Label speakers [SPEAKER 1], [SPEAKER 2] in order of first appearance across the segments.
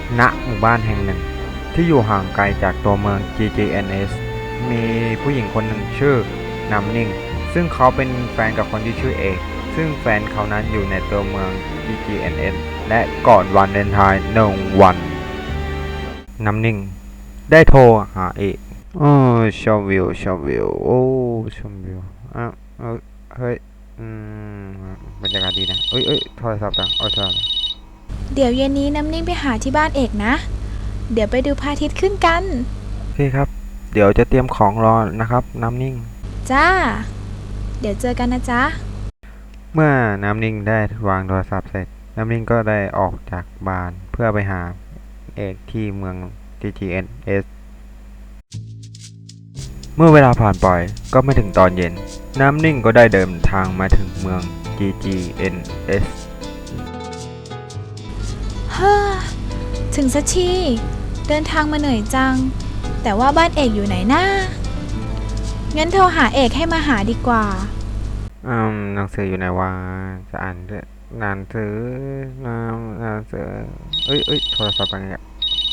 [SPEAKER 1] ณหมู่บ้านแห่งหนึ่งที่อยู่ห่างไกลจากตัวเมือง GGNS มีผู้หญิงคนหนึ่งชื่อน้ำนิ่งซึ่งเขาเป็นแฟนกับคนที่ชื่อเอกซึ่งแฟนเขานั้นอยู่ในตัวเมือง GGNS และก่อนวันเลนไทน์1 วันน้ำนิ่งได้โทรหาเอกชมวิวโอ้ชมวิวอ่ะเฮ้ยอืมบรรยากาศดีนะโทรศัพท์ดังโทรศัพท์
[SPEAKER 2] เดี๋ยวเย็นนี้น้ำนิ่งไปหาที่บ้านเอกนะ เดี๋ยวไปดูพระอาทิตย์ขึ้นกัน
[SPEAKER 1] โอเคครับ เดี๋ยวจะเตรียมของรอนะครับน้ำนิ่ง
[SPEAKER 2] จ้า เดี๋ยวเจอกันนะจ๊ะ
[SPEAKER 1] เมื่อน้ำนิ่งได้วางโทรศัพท์เสร็จ น้ำนิ่งก็ได้ออกจากบ้านเพื่อไปหาเอกที่เมือง GGNS เมื่อเวลาผ่านไปก็ไม่ถึงตอนเย็น น้ำนิ่งก็ได้เดินทางมาถึงเมือง GGNS
[SPEAKER 2] เฮ้อ ถึงสักที เดินทางมาเหนื่อยจัง แต่ว่าบ้านเอกอยู่ไหนนะงั้นโทรหาเอกให้มาหาดีกว่า
[SPEAKER 1] หนังสืออยู่ไหนวะจะอ่านด้วยหนังสือหนังสือโทรศัพท์อะไรเนี่ย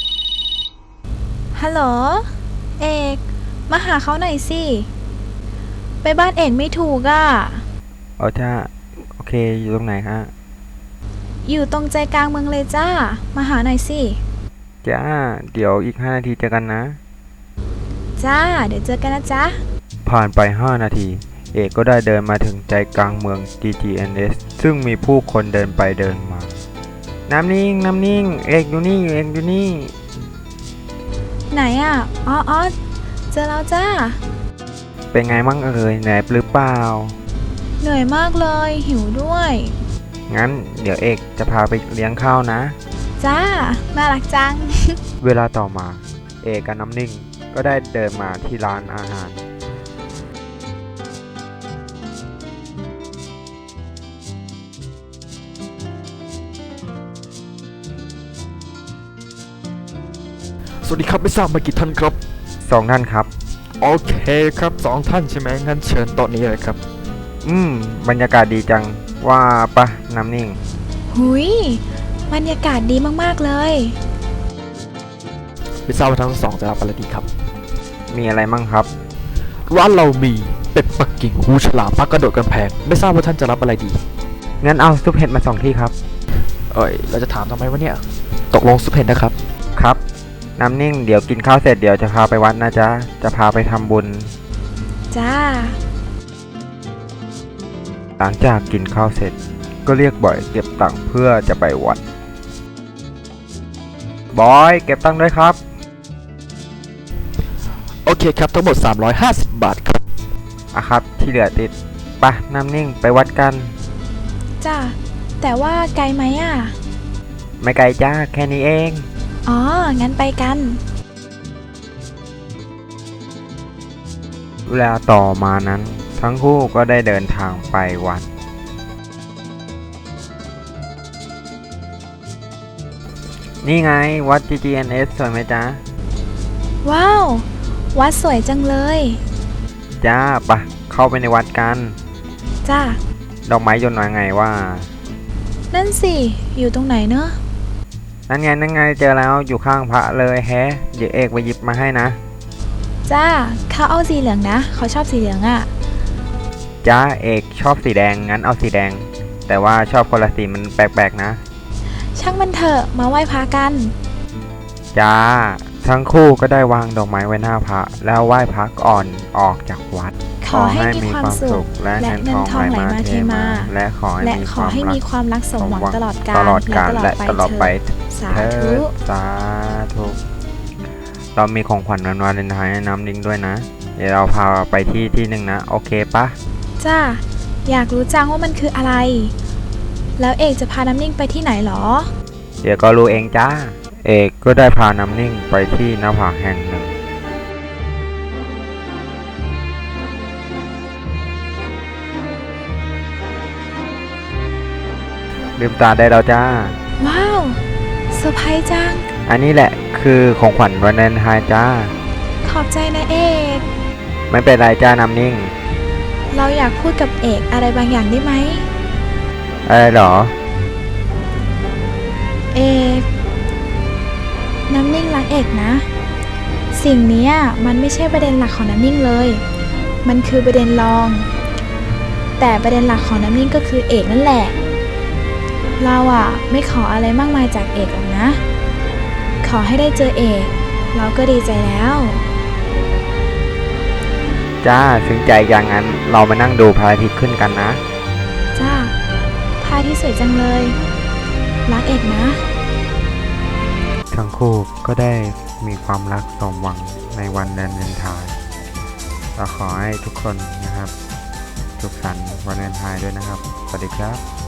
[SPEAKER 2] ฮัลโหล เอก มาหาเขาหน่อยสิ ไปบ้านเอกไม่ถูกอ่ะ
[SPEAKER 1] จ้าโอเคอยู่ตรงไหนฮะ
[SPEAKER 2] อยู่ตรงใจกลางเมืองเลยจ้า มาหาหน่อยสิ
[SPEAKER 1] จ้าเดี๋ยวอีก5 นาทีเจอกันนะ
[SPEAKER 2] จ้า เดี๋ยวเจอกันนะจ๊ะ
[SPEAKER 1] ผ่านไป5 นาที เอกก็ได้เดินมาถึงใจกลางเมือง GGNS ซึ่งมีผู้คนเดินไปเดินมา น้ำนิ่ง เอกอยู่นี่
[SPEAKER 2] ไหนอ่ะ อ๋อ เจอแล้วจ้า
[SPEAKER 1] เป็นไงมั่งเหนื่อยหรือเปล่า
[SPEAKER 2] เหนื่อยมากเลย หิวด้วย
[SPEAKER 1] งั้นเดี๋ยวเอกจะพาไปเลี้ยงข้าวนะ
[SPEAKER 2] จ้า น่ารักจัง
[SPEAKER 1] เวลาต่อมา เอกกับน้ำนิ่งก็ได้เดินมาที่ร้านอาหาร
[SPEAKER 3] สวัสดีครับไม่ทราบมากี่ท่านครับ
[SPEAKER 1] 2 ท่านครับ
[SPEAKER 3] โอเคครับ2 ท่านใช่ไหมงั้นเชิญโต๊ะนี้เลยครับ
[SPEAKER 1] บรรยากาศดีจังว่าปะน้ำนิ่ง
[SPEAKER 2] หุยบรรยากาศดีมากๆเลย
[SPEAKER 3] ไม่ทราบว่าทั้งสองจะรับอะไรดีครับ
[SPEAKER 1] มีอะไรมั่งครับ
[SPEAKER 3] ร้านเรามีเป็ดปักกิ่งหูฉลามปักกระโดดกำแพงไม่ทราบว่าท่านจะรับอะไรดี
[SPEAKER 1] งั้นเอาซุปเห็ดมา2 ที่ครับ
[SPEAKER 3] เราจะถามทำไมวะเนี่ยตกลงสุเพนนะครับ
[SPEAKER 1] ครับน้ำนิ่งเดี๋ยวกินข้าวเสร็จเดี๋ยวจะพาไปวัดนะจ๊ะจะพาไปทำบุญ
[SPEAKER 2] จ้า
[SPEAKER 1] หลังจากกินข้าวเสร็จก็เรียกบอยเก็บตังค์เพื่อจะไปวัดบอยเก็บตังค์ด้วยครับ
[SPEAKER 3] โอเคครับทั้งหมด350 บาทครับ
[SPEAKER 1] ครับที่เหลือติดไปน้ำนิ่งไปวัดกัน
[SPEAKER 2] จ้า แต่ว่าไกลไหมอ่ะ
[SPEAKER 1] ไม่ไกลจ้าแค่นี้เอง
[SPEAKER 2] อ๋อ งั้นไปกัน
[SPEAKER 1] เวลาต่อมานั้นทั้งคู่ก็ได้เดินทางไปวัดนี่ไงวัด GGNS สวยไหมจ๊ะ
[SPEAKER 2] ว้าว วัดสวยจังเลย
[SPEAKER 1] จ้าปะเข้าไปในวัดกัน
[SPEAKER 2] จ้า
[SPEAKER 1] ดอกไม้ยนต์ว่าไงว่า
[SPEAKER 2] นั่นสิ อยู่ตรงไหนเนอะ
[SPEAKER 1] นั่นไงเจอแล้วอยู่ข้างพระเลยแฮะเดี๋ยวเอกไปหยิบมาให้นะ
[SPEAKER 2] จ้า เขาเอาสีเหลืองนะ เขาชอบสีเหลืองอ่ะ
[SPEAKER 1] จ้าเอกชอบสีแดงงั้นเอาสีแดง แต่ว่าชอบคนละสีมันแปลกๆนะ
[SPEAKER 2] ช่างมันเถอะ มาไหว้พระกัน
[SPEAKER 1] จ้าทั้งคู่ก็ได้วางดอกไม้ไว้หน้าพระแล้วไหว้พระก่อนออกจากวัด
[SPEAKER 2] ขอให้มีความสุข
[SPEAKER 1] และ
[SPEAKER 2] และ
[SPEAKER 1] เงินทองไหลมาเทมาและขอ
[SPEAKER 2] และ
[SPEAKER 1] ให้
[SPEAKER 2] ขอให้มีความรักสมหวังตลอดกาล
[SPEAKER 1] และตลอดไป
[SPEAKER 2] สา
[SPEAKER 1] เถิ
[SPEAKER 2] ธุ
[SPEAKER 1] ดสาธุเรามีของขวัญวันวาเลนไทน์ให้น้ำดิ้งด้วยนะ เดี๋ยวเราพาไปที่หนึ่งนะโอเคปะ
[SPEAKER 2] จ้า อยากรู้จังว่ามันคืออะไร แล้วเอกจะพาน้ำนิ่งไปที่ไหนหรอ
[SPEAKER 1] เดี๋ยวก็รู้เองจ้า เอกก็ได้พาน้ำนิ่งไปที่หน้าผาแห่งหนึ่งลืมตาได้แล้วจ้า
[SPEAKER 2] ว้าว เซอร์ไพรส์จัง
[SPEAKER 1] อันนี้แหละคือของขวัญวันวาเลนไทน์จ้า
[SPEAKER 2] ขอบใจนะเอก
[SPEAKER 1] ไม่เป็นไรจ้าน้ำนิ่ง
[SPEAKER 2] เราอยากพูดกับเอกอะไรบางอย่างได้ไหม
[SPEAKER 1] อะไรหรอ
[SPEAKER 2] เอกน้ำนิ่งรักเอกนะ สิ่งเนี้ยมันไม่ใช่ประเด็นหลักของน้ำนิ่งเลย มันคือประเด็นรอง แต่ประเด็นหลักของน้ำนิ่งก็คือเอกนั่นแหละ เราอะไม่ขออะไรมากมายจากเอกหรอกนะ ขอให้ได้เจอเอกเราก็ดีใจแล้ว
[SPEAKER 1] จ้าถึงใจอย่างนั้นเรามานั่งดูพระอาทิตย์ขึ้นกันนะ
[SPEAKER 2] จ้าพระอาที่สวยจังเลย รักเอกนะ
[SPEAKER 1] ทั้งคู่ก็ได้มีความรักสมหวังในวันวาเลนไทน์เราขอให้ทุกคนนะครับสุขสันต์วันวาเลนไทน์ด้วยนะครับ สวัสดีครับ